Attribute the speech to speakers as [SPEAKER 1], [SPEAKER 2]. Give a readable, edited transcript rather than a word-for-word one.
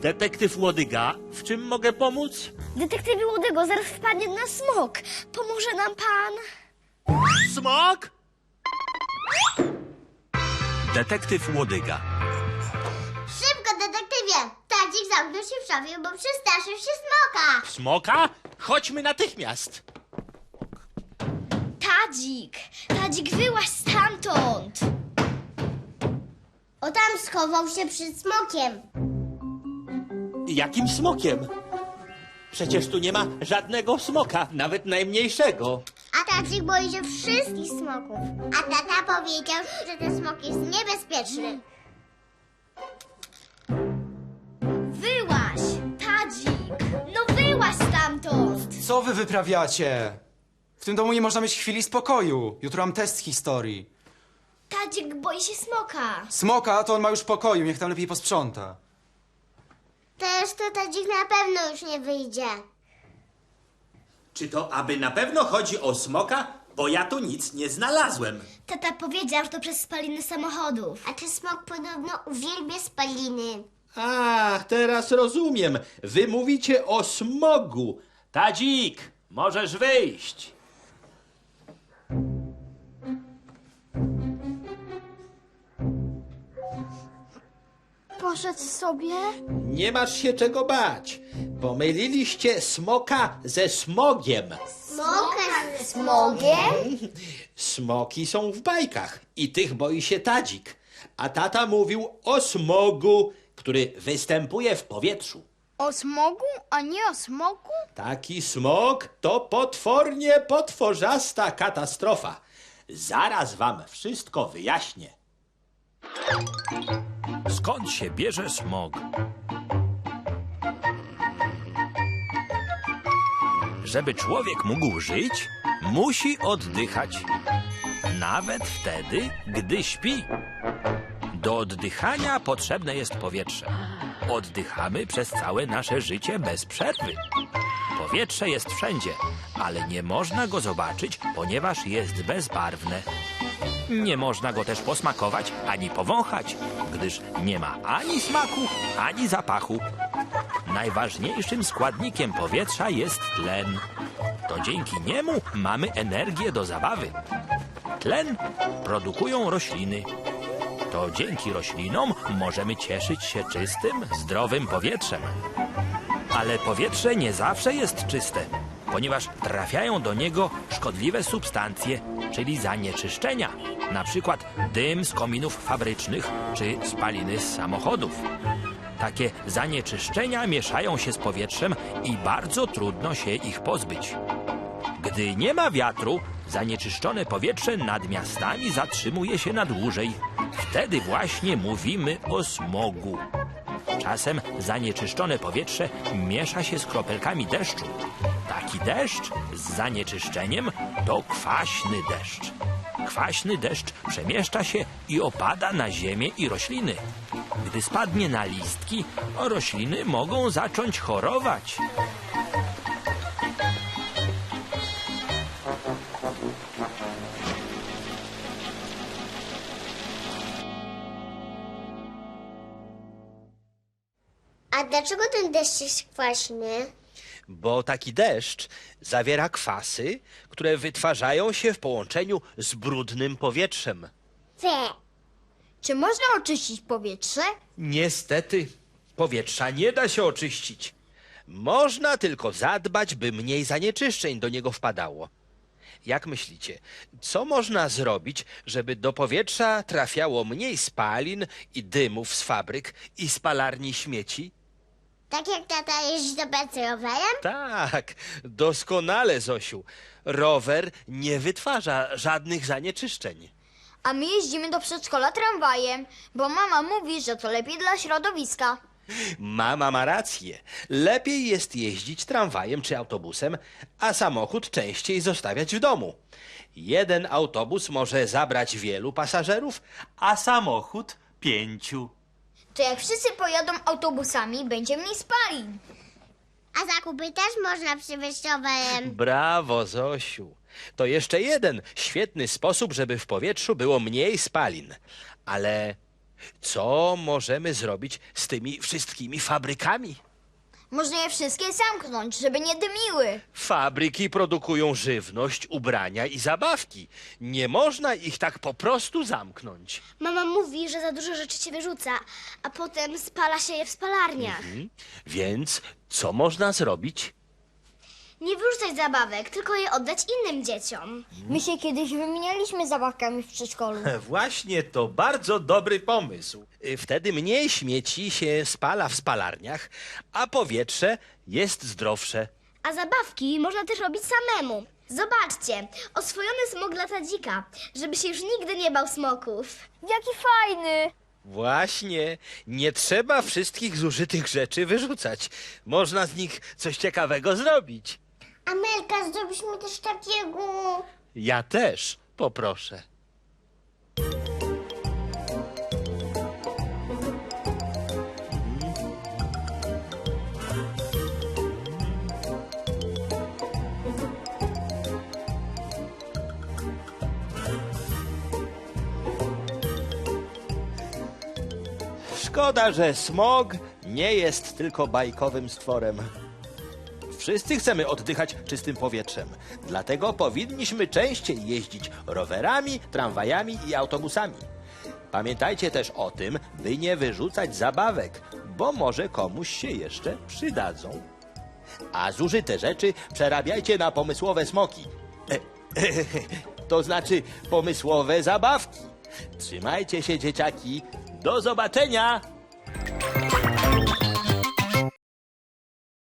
[SPEAKER 1] Detektyw Łodyga, w czym mogę pomóc?
[SPEAKER 2] Detektywie Łodego, zaraz wpadnie na smok. Pomoże nam pan?
[SPEAKER 1] Smok? Detektyw Łodyga.
[SPEAKER 3] Szybko, detektywie! Tadzik zamknął się w szafie, bo przestraszył się smoka.
[SPEAKER 1] Smoka? Chodźmy natychmiast.
[SPEAKER 2] Tadzik, wyłaź stamtąd.
[SPEAKER 3] O, tam schował się przed smokiem.
[SPEAKER 1] Jakim smokiem? Przecież tu nie ma żadnego smoka, nawet najmniejszego.
[SPEAKER 3] A Tadzik boi się wszystkich smoków. A tata powiedział, że ten smok jest niebezpieczny.
[SPEAKER 2] Wyłaź, Tadzik. No wyłaź stamtąd.
[SPEAKER 4] Co wy wyprawiacie? W tym domu nie można mieć chwili spokoju. Jutro mam test historii.
[SPEAKER 2] Tadzik boi się smoka.
[SPEAKER 4] Smoka to on ma już w pokoju, niech tam lepiej posprząta.
[SPEAKER 3] Też to Tadzik na pewno już nie wyjdzie.
[SPEAKER 1] Czy to aby na pewno chodzi o smoka? Bo ja tu nic nie znalazłem.
[SPEAKER 2] Tata powiedział, że to przez spaliny samochodów.
[SPEAKER 3] A ten smok podobno uwielbia spaliny.
[SPEAKER 1] A, teraz rozumiem. Wy mówicie o smogu. Tadzik, możesz wyjść.
[SPEAKER 2] Poszedł sobie?
[SPEAKER 1] Nie masz się czego bać. Pomyliliście smoka ze smogiem.
[SPEAKER 3] Smoka ze
[SPEAKER 2] Smogiem?
[SPEAKER 1] Smoki są w bajkach i tych boi się Tadzik. A tata mówił o smogu, który występuje w powietrzu.
[SPEAKER 5] O smogu, a nie o smoku?
[SPEAKER 1] Taki smog to potwornie potworzasta katastrofa. Zaraz wam wszystko wyjaśnię. Skąd się bierze smog? Żeby człowiek mógł żyć, musi oddychać. Nawet wtedy, gdy śpi. Do oddychania potrzebne jest powietrze. Oddychamy przez całe nasze życie bez przerwy. Powietrze jest wszędzie, ale nie można go zobaczyć, ponieważ jest bezbarwne. Nie można go też posmakować ani powąchać, gdyż nie ma ani smaku, ani zapachu. Najważniejszym składnikiem powietrza jest tlen. To dzięki niemu mamy energię do zabawy. Tlen produkują rośliny. To dzięki roślinom możemy cieszyć się czystym, zdrowym powietrzem. Ale powietrze nie zawsze jest czyste, ponieważ trafiają do niego szkodliwe substancje, czyli zanieczyszczenia, na przykład dym z kominów fabrycznych czy spaliny z samochodów. Takie zanieczyszczenia mieszają się z powietrzem i bardzo trudno się ich pozbyć. Gdy nie ma wiatru, zanieczyszczone powietrze nad miastami zatrzymuje się na dłużej. Wtedy właśnie mówimy o smogu. Czasem zanieczyszczone powietrze miesza się z kropelkami deszczu. Taki deszcz z zanieczyszczeniem to kwaśny deszcz. Kwaśny deszcz przemieszcza się i opada na ziemię i rośliny. Gdy spadnie na listki, rośliny mogą zacząć chorować.
[SPEAKER 3] A dlaczego ten deszcz jest kwaśny?
[SPEAKER 1] Bo taki deszcz zawiera kwasy, które wytwarzają się w połączeniu z brudnym powietrzem.
[SPEAKER 5] Czy można oczyścić powietrze?
[SPEAKER 1] Niestety, powietrza nie da się oczyścić. Można tylko zadbać, by mniej zanieczyszczeń do niego wpadało. Jak myślicie, co można zrobić, żeby do powietrza trafiało mniej spalin i dymów z fabryk i spalarni śmieci?
[SPEAKER 3] Tak jak tata jeździ do pracy rowerem?
[SPEAKER 1] Tak, doskonale, Zosiu. Rower nie wytwarza żadnych zanieczyszczeń.
[SPEAKER 5] A my jeździmy do przedszkola tramwajem, bo mama mówi, że to lepiej dla środowiska.
[SPEAKER 1] Mama ma rację. Lepiej jest jeździć tramwajem czy autobusem, a samochód częściej zostawiać w domu. Jeden autobus może zabrać wielu pasażerów, a samochód 5.
[SPEAKER 5] To jak wszyscy pojadą autobusami, będzie mniej spalin.
[SPEAKER 3] A zakupy też można przywieźć rowerem.
[SPEAKER 1] Brawo, Zosiu. To jeszcze jeden świetny sposób, żeby w powietrzu było mniej spalin. Ale Co możemy zrobić z tymi wszystkimi fabrykami?
[SPEAKER 5] Można je wszystkie zamknąć, żeby nie dymiły.
[SPEAKER 1] Fabryki produkują żywność, ubrania i zabawki. Nie można ich tak po prostu zamknąć.
[SPEAKER 2] Mama mówi, że za dużo rzeczy się wyrzuca, a potem spala się je w spalarniach.
[SPEAKER 1] Więc co można zrobić?
[SPEAKER 2] Nie wyrzucać zabawek, tylko je oddać innym dzieciom.
[SPEAKER 5] My się kiedyś wymienialiśmy zabawkami w przedszkolu.
[SPEAKER 1] Właśnie to bardzo dobry pomysł. Wtedy mniej śmieci się spala w spalarniach, a powietrze jest zdrowsze.
[SPEAKER 2] A zabawki można też robić samemu. Zobaczcie, oswojony smok lata dzika, żeby się już nigdy nie bał smoków.
[SPEAKER 5] Jaki fajny!
[SPEAKER 1] Właśnie, nie trzeba wszystkich zużytych rzeczy wyrzucać. Można z nich coś ciekawego zrobić.
[SPEAKER 3] Amelka, zrobisz mi też takiego.
[SPEAKER 1] Ja też poproszę. Szkoda, że smog nie jest tylko bajkowym stworem. Wszyscy chcemy oddychać czystym powietrzem. Dlatego powinniśmy częściej jeździć rowerami, tramwajami i autobusami. Pamiętajcie też o tym, by nie wyrzucać zabawek, bo może komuś się jeszcze przydadzą. A zużyte rzeczy przerabiajcie na pomysłowe smoki. To znaczy pomysłowe zabawki. Trzymajcie się, dzieciaki. Do zobaczenia!